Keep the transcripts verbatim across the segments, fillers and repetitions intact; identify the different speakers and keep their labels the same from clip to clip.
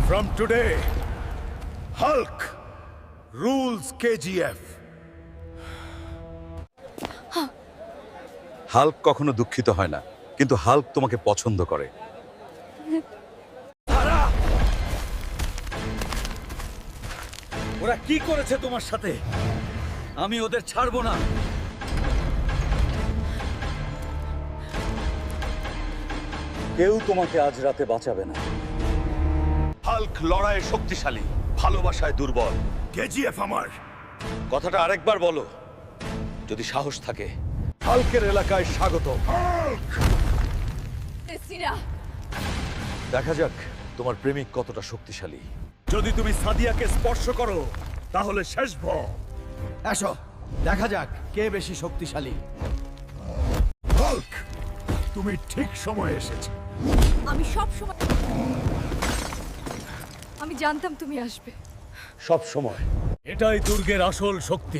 Speaker 1: From today, Hulk rules K G F.
Speaker 2: Hulk কখনো দুঃখিত হয় না, কিন্তু হাল্ক তোমাকে পছন্দ করে।
Speaker 3: ওরা কি করেছে তোমার সাথে? আমি ওদের ছাড়বো না। কেউ তোমাকে আজ রাতে বাঁচাবে না।
Speaker 2: হাল্ক লড়াইয়ে শক্তিশালী, ভালোবাসায় দুর্বল।
Speaker 1: K G F আমার।
Speaker 2: কথাটা আরেকবার বলো, যদি সাহস থাকে। হাল্কের এলাকায় স্বাগত। দেখা যাক তোমার প্রেমিক কতটা শক্তিশালী।
Speaker 1: যদি তুমি সাদিয়াকে স্পর্শ করো তাহলে শেষ ভ।
Speaker 4: এসো দেখা যাক কে বেশি শক্তিশালী।
Speaker 1: হাল্ক, তুমি ঠিক সময়ে এসেছো।
Speaker 5: আমি সব সময় আমি জানতাম তুমি আসবে।
Speaker 2: সব সময়।
Speaker 1: এটাই দুর্গের আসল শক্তি।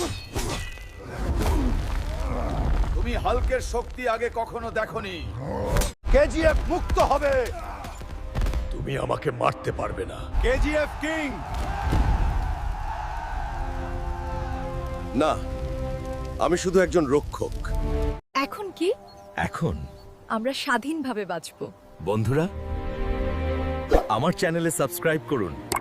Speaker 4: তুমি হাল্কের শক্তি আগে কখনো দেখোনি। K G F মুক্ত হবে।
Speaker 1: তুমি আমাকে মারতে পারবে না।
Speaker 4: K G F king.
Speaker 2: না, আমি শুধু একজন রক্ষক।
Speaker 5: এখন কি?
Speaker 1: এখন
Speaker 5: আমরা স্বাধীনভাবে বাঁচবো।
Speaker 1: বন্ধুরা, আমার চ্যানেলে সাবস্ক্রাইব করুন।